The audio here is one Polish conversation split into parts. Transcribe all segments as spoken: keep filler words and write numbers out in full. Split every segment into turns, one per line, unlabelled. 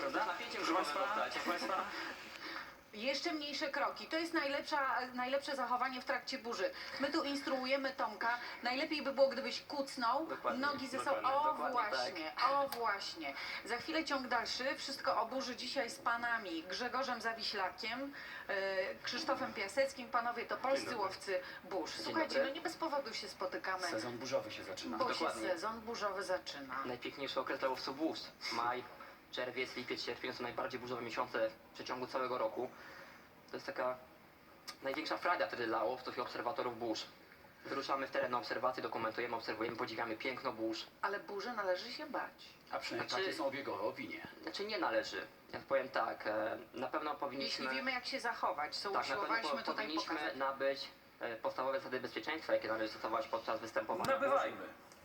prawda?
napięciem
Proszę
możemy
Państwa,
dostać.
proszę Państwa,
Jeszcze mniejsze kroki. To jest najlepsza, najlepsze zachowanie w trakcie burzy. My tu instruujemy Tomka. Najlepiej by było, gdybyś kucnął,
Dokładnie,
nogi ze sobą.
dokładnie,
O
dokładnie
właśnie, o właśnie. Za chwilę ciąg dalszy. Wszystko o burzy dzisiaj z panami Grzegorzem Zawiślakiem, e, Krzysztofem Piaseckim. Panowie to polscy
dobry.
łowcy burz.
Dzień
Słuchajcie,
dobry.
no nie bez powodu się spotykamy,
sezon burzowy się zaczyna.
bo się
Dokładnie.
sezon burzowy zaczyna.
Najpiękniejszy okres dla łowców burz. Maj, czerwiec, lipiec, sierpień są najbardziej burzowe miesiące w przeciągu całego roku. To jest taka największa frajda wtedy dla łowców i obserwatorów burz. Wyruszamy w teren na obserwacje, dokumentujemy, obserwujemy, podziwiamy piękno burz.
Ale burzy należy się bać.
A przynajmniej
Znaczy-
takie są obiegowe opinie.
Znaczy nie należy. Ja powiem tak, e, na pewno powinniśmy...
Jeśli wiemy, jak się zachować, co
tak, na pewno
usiłowaliśmy
po,
tutaj
powinniśmy
pokazać.
nabyć e, podstawowe zasady bezpieczeństwa, jakie należy stosować podczas występowania burz.
Nabywajmy.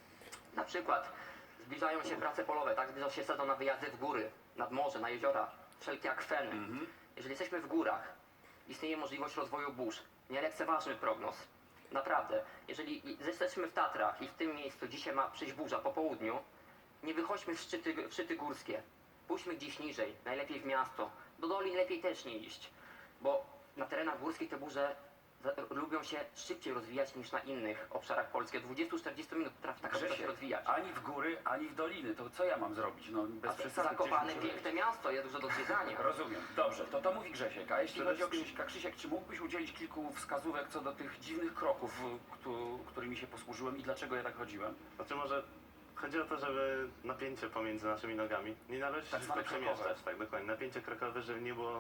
Na przykład zbliżają się prace polowe, tak? Zbliża się sezon na wyjazdy w góry, nad morze, na jeziora, wszelkie akweny.
Mhm.
Jeżeli jesteśmy w górach, istnieje możliwość rozwoju burz. Nie lekceważmy prognoz. Naprawdę. Jeżeli jesteśmy w Tatrach i w tym miejscu dzisiaj ma przyjść burza po południu, nie wychodźmy w szczyty, w szczyty górskie. Pójdźmy gdzieś niżej, najlepiej w miasto. Do dolin lepiej też nie iść, bo na terenach górskich te burze za- lubią się szybciej rozwijać niż na innych obszarach Polski. Od dwudziestu do czterdziestu minut potrafi taka burza się
Grzesie,
rozwijać.
ani w góry, ani w doliny. To co ja mam zrobić? No bez
A
przesady.
Zakopane
gdzieś muszę
piękne miasto, jest dużo do zwiedzania.
Rozumiem. Dobrze, to to mówi Grzesiek. A jeśli
Przede
chodzi o
wszystkim-
Krzyśka, Krzysiek, czy mógłbyś udzielić kilku wskazówek co do tych dziwnych kroków, któ- którymi się posłużyłem i dlaczego ja tak chodziłem?
Znaczy może chodzi o to, żeby napięcie pomiędzy naszymi nogami nie należy się
Tak
tylko
zwane
przemieszczać,
krokowe.
tak dokładnie. Napięcie krokowe, żeby nie było,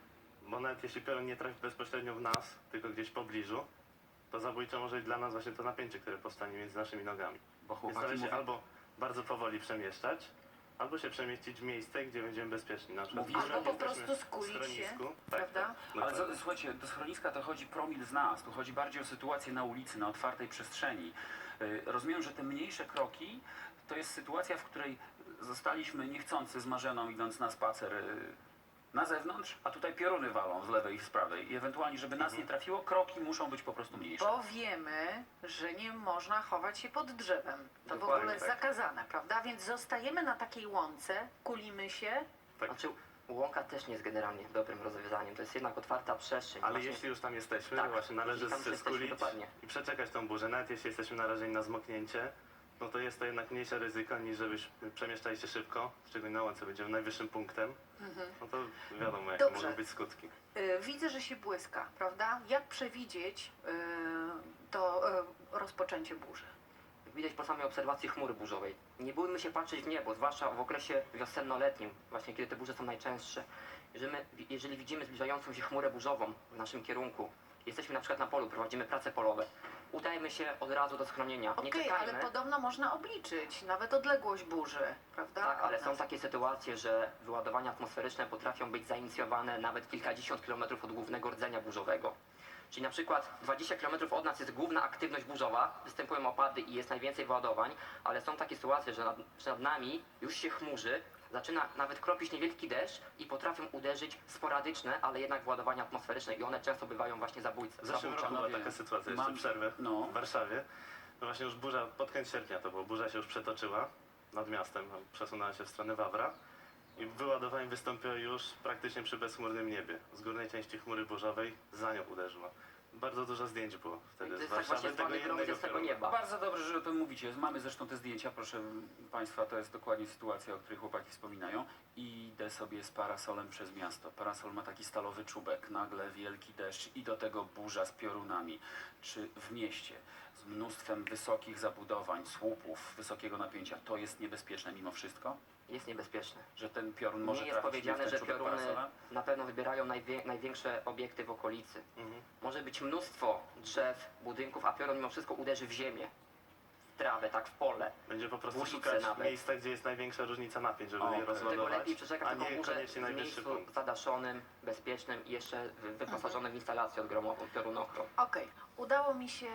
bo nawet jeśli piorun nie trafi bezpośrednio w nas, tylko gdzieś w pobliżu, to zabójcze może być dla nas właśnie to napięcie, które powstanie między naszymi nogami.
Bo
Więc
chłopaki
należy się
mówią,
albo bardzo powoli przemieszczać, albo się przemieścić w miejsce, gdzie będziemy bezpieczni. Na przykład
Mówisz,
w
Albo po
jesteśmy
prostu
w
skulić się,
schronisku.
prawda?
Tak,
ale
dokładnie.
co, słuchajcie, do schroniska to chodzi promil z nas, tu chodzi bardziej o sytuację na ulicy, na otwartej przestrzeni. Y, Rozumiem, że te mniejsze kroki to jest sytuacja, w której zostaliśmy niechcący z Marzeną idąc na spacer y, na zewnątrz, a tutaj pioruny walą z lewej i z prawej. I ewentualnie, żeby nas nie trafiło, kroki muszą być po prostu mniejsze.
Bo wiemy, że nie można chować się pod drzewem. To w
Dokładnie
ogóle jest
tak.
zakazane, prawda? Więc zostajemy na takiej łące, kulimy się.
Tak.
Znaczy, łąka też nie jest generalnie dobrym rozwiązaniem. To jest jednak otwarta przestrzeń.
Ale
Właśnie-
jeśli już tam jesteśmy,
Tak,
to właśnie należy
jeśli tam
się
jesteśmy,
skulić
dokładnie.
i przeczekać tą burzę. Nawet jeśli jesteśmy narażeni na zmoknięcie, no to jest to jednak mniejsze ryzyko niż żebyś przemieszczali się szybko, szczególnie na łące będziemy najwyższym punktem, no to wiadomo jakie
Dobrze.
mogą być skutki.
Yy, widzę, że się błyska, prawda? Jak przewidzieć yy, to yy, rozpoczęcie burzy?
Widać po samej obserwacji chmury burzowej. Nie bójmy się patrzeć w niebo, zwłaszcza w okresie wiosennoletnim, właśnie kiedy te burze są najczęstsze. Jeżeli, my, jeżeli widzimy zbliżającą się chmurę burzową w naszym kierunku, jesteśmy na przykład na polu, prowadzimy prace polowe, udajmy się od razu do schronienia. Nie
Okej,
czekajmy.
ale podobno można obliczyć nawet odległość burzy, prawda?
Tak, ale
od
są
nas.
takie sytuacje, że wyładowania atmosferyczne potrafią być zainicjowane nawet kilkadziesiąt kilometrów od głównego rdzenia burzowego. Czyli na przykład dwadzieścia kilometrów od nas jest główna aktywność burzowa, występują opady i jest najwięcej wyładowań, ale są takie sytuacje, że nad, że nad nami już się chmurzy, zaczyna nawet kropić niewielki deszcz i potrafią uderzyć sporadyczne, ale jednak wyładowania atmosferyczne i one często bywają właśnie zabójce.
W zeszłym
zabójcze.
roku była
panowie,
taka sytuacja, jeszcze
mam-
przerwę
no.
w Warszawie. No właśnie już burza, pod koniec sierpnia to było, burza się już przetoczyła nad miastem, no, przesunęła się w stronę Wawra i wyładowanie wystąpiło już praktycznie przy bezchmurnym niebie. Z górnej części chmury burzowej za nią uderzyło. Bardzo dużo zdjęć było
To
wtedy z
jest tak właśnie
Warszawy, tego
zwany
jednego
gromiec z tego
pioruna.
nieba.
Bardzo dobrze, że o tym mówicie. Mamy zresztą te zdjęcia, proszę Państwa, to jest dokładnie sytuacja, o której chłopaki wspominają. I idę sobie z parasolem przez miasto. Parasol ma taki stalowy czubek, nagle wielki deszcz i do tego burza z piorunami. Czy w mieście z mnóstwem wysokich zabudowań, słupów, wysokiego napięcia, to jest niebezpieczne mimo wszystko?
Jest niebezpieczne.
Że ten piorun może
Nie jest
trafić mi w
powiedziane,
ten
że
czubek
pioruny
parasola?
na pewno wybierają najwie, największe obiekty w okolicy.
Mhm.
Może być mnóstwo drzew, budynków, a piorun mimo wszystko uderzy w ziemię, w trawę, tak w pole.
Będzie po prostu
Łusice
szukać
nawet.
miejsca, gdzie jest największa różnica napięć, żeby
O,
je
okej.
Dlatego
rozładować,
lepiej przeczekać
a
taką
nie
burzę
koniecznie
w
najwyższy
miejscu
punkt.
zadaszonym, bezpiecznym i jeszcze wy- wyposażonym w instalację odgromową, piorunochron.
Okej, udało mi się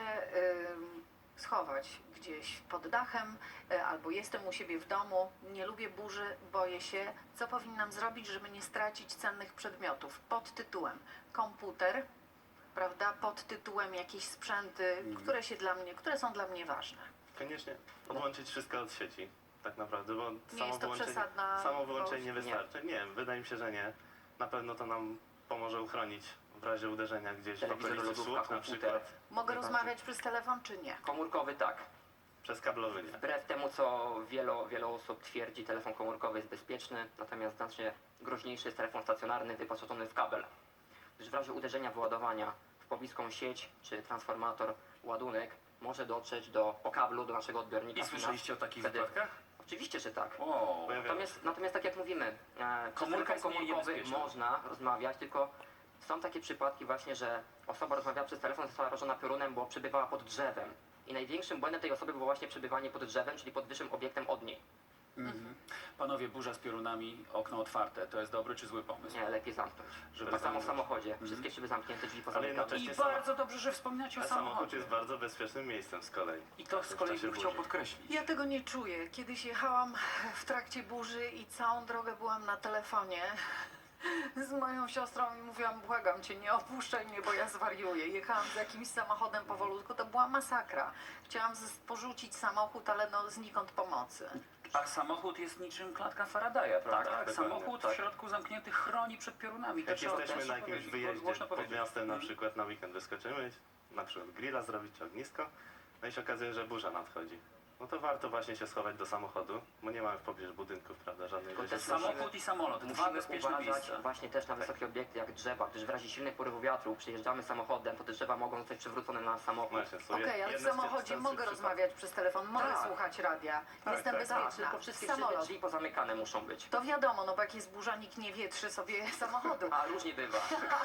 ym, schować gdzieś pod dachem, y, albo jestem u siebie w domu, nie lubię burzy, boję się. Co powinnam zrobić, żeby nie stracić cennych przedmiotów? Pod tytułem komputer, prawda? Pod tytułem jakieś sprzęty,
Mhm.
które się dla mnie, które są dla mnie ważne.
Koniecznie odłączyć wszystko od sieci. tak naprawdę, bo
Nie
samo
jest to
wyłączenie,
przesadna...
samo wyłączenie nie
wolność?
wystarczy. Nie. wydaje mi się, że nie. Na pewno to nam pomoże uchronić w razie uderzenia gdzieś w
Telewizor,
okolicy
lodówka,
słup na
komputer.
przykład.
Mogę
Najbardziej.
rozmawiać przez telefon, czy nie?
Komórkowy tak.
Przez kablowy nie.
Wbrew temu, co wielu, wielu osób twierdzi, telefon komórkowy jest bezpieczny, natomiast znacznie groźniejszy jest telefon stacjonarny wyposażony w kabel. Gdyż w razie uderzenia wyładowania w pobliską sieć czy transformator ładunek może dotrzeć do, po kablu do naszego odbiornika.
I słyszeliście o takich
Wtedy-
wypadkach?
Oczywiście, że tak.
O,
Pojawiają się.
Natomiast, natomiast tak jak mówimy, e, przez
Komórka
telefon
jest mniej
komórkowy
niebezpieczna.
można rozmawiać, tylko są takie przypadki właśnie, że osoba rozmawiała przez telefon, została rażona piorunem, bo przebywała pod drzewem. I największym błędem tej osoby było właśnie przebywanie pod drzewem, czyli pod wyższym obiektem od niej.
mhm. Panowie, burza z piorunami, okno otwarte. To jest dobry czy zły pomysł?
Nie, lepiej zamknąć.
Żeby
Tak samo w
zamknąć.
samochodzie. Wszystkie szyby zamknięte, drzwi
Ale
pozamykane.
jednocześnie
I
sama-
bardzo dobrze, że wspominacie o
A samochód
samochodzie.
jest bardzo bezpiecznym miejscem z kolei.
I to z
w
kolei
czasie
bym chciał
burzy.
podkreślić.
Ja tego nie czuję. Kiedyś jechałam w trakcie burzy i całą drogę byłam na telefonie z moją siostrą i mówiłam, błagam cię, nie opuszczaj mnie, bo ja zwariuję. Jechałam z jakimś samochodem powolutku, to była masakra. Chciałam z- porzucić samochód, ale no znikąd pomocy.
A samochód jest niczym klatka Faradaya, prawda?
dokładnie,
Samochód
tak.
w środku zamknięty chroni przed piorunami. To
Jak
trzeba
jesteśmy
też
na jakimś
powiedzieć,
wyjeździe
głośno
pod
powiedzieć.
miastem na
Mhm.
przykład na weekend wyskoczymy, na przykład grilla zrobić czy ognisko, no i się okazuje, że burza nadchodzi. No to warto właśnie się schować do samochodu, bo nie mamy w pobliżu budynków, prawda, żadnej
Tylko
rzeczy.
też
Samochód i samolot, dwa
Musimy
bezpieczne
uważać
miejsca.
właśnie też na wysokie obiekty jak drzewa, gdyż w razie silnych porywów wiatru przyjeżdżamy samochodem, to te drzewa mogą zostać przewrócone na nasz samochód.
Właśnie, są
Okej,
je-
ale w
jedne z tych
samochodzie
częstszych
mogę
przypadków.
rozmawiać przez telefon, mogę
Tak.
słuchać radia.
Tak,
Jestem
tak,
Tak,
bezpieczna.
tylko wszystkie szyby,
Samolot.
drzwi pozamykane muszą być.
To wiadomo, no bo jak jest burza, nikt nie wietrzy sobie samochodu.
A różnie bywa.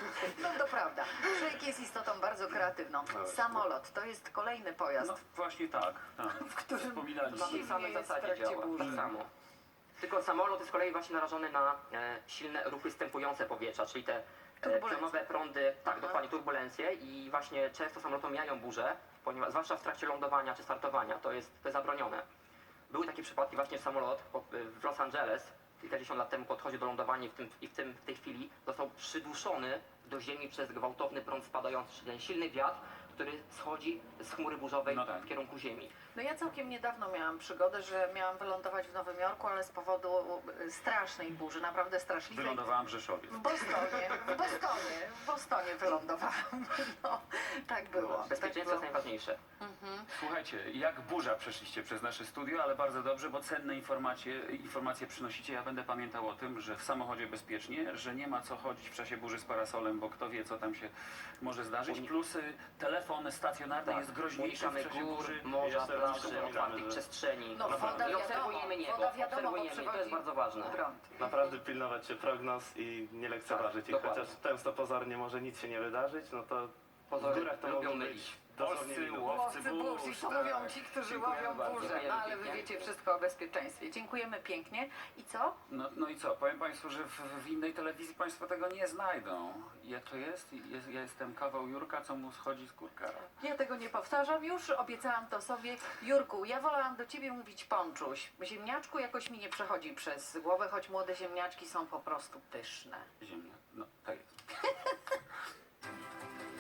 No to prawda. Człowiek jest istotą bardzo kreatywną.
No,
Samolot to jest kolejny pojazd,
No właśnie tak, tak.
w którym
Wspominaliście.
Na tej
Dziwnie
samej
jest w
zasadzie
trakcie
działa.
burzy.
Tak samo. Tylko samolot jest z kolei właśnie narażony na e, silne ruchy stępujące powietrza, czyli te e,
Turbulencje.
pionowe prądy, tak,
Aha.
dokładnie turbulencje i właśnie często samoloty mijają burze, ponieważ zwłaszcza w trakcie lądowania czy startowania, to jest, to jest zabronione. Były takie przypadki właśnie, że samolot po- w Los Angeles kilkadziesiąt lat temu podchodził do lądowania i w, tym, i w, tym, w tej chwili został przyduszony do ziemi przez gwałtowny prąd spadający, czyli ten silny wiatr, który schodzi z chmury burzowej
No tak.
w kierunku ziemi.
No ja całkiem niedawno miałam przygodę, że miałam wylądować w Nowym Jorku, ale z powodu y, strasznej burzy, naprawdę straszliwej.
Wylądowałam w Rzeszowie.
W Bostonie, w Bostonie, w Bostonie wylądowałam. No, tak było. Tak
Bezpieczeństwo
było.
jest najważniejsze.
Mhm.
Słuchajcie, jak burza przeszliście przez nasze studio, ale bardzo dobrze, bo cenne informacje, informacje przynosicie. Ja będę pamiętał o tym, że w samochodzie bezpiecznie, że nie ma co chodzić w czasie burzy z parasolem, bo kto wie, co tam się może zdarzyć.
Uni-
Plus y, telefon stacjonarny jest groźniejszy w
Unikamy
czasie
gór,
burzy.
morza,
Jeszcze
plaży,
przypominamy,
otwartych
że-
przestrzeni.
No,
woda
I
wiadomo,
obserwujemy niebo,
woda wiadomo, bo
obserwujemy, to jest
przychodzi
bardzo ważne.
prąd.
Naprawdę pilnować się prognoz i nie lekceważyć
Tak,
ich,
dokładnie.
chociaż często pozornie może nic się nie wydarzyć, no to w
Pozory
górach to
lubią
mogą
mylić.
być dosłownie
Polscy
minuty.
łowcy
Łowcy burz, i
burz,
to
tak.
mówią ci, którzy
Dziękujemy
łowią
bardzo.
burzę.
Dziękujemy
No ale wy
pięknie.
wiecie wszystko o bezpieczeństwie. Dziękujemy pięknie. I co?
No, no i co? Powiem Państwu, że w, w innej telewizji Państwo tego nie znajdą. Jak to jest? jest? Ja jestem kawał Jurka, co mu schodzi z kurka.
Ja tego nie powtarzam już, obiecałam to sobie. Jurku, ja wolałam do ciebie mówić Ponczuś. Ziemniaczku jakoś mi nie przechodzi przez głowę, choć młode ziemniaczki są po prostu pyszne.
Ziemnia. No, tak jest.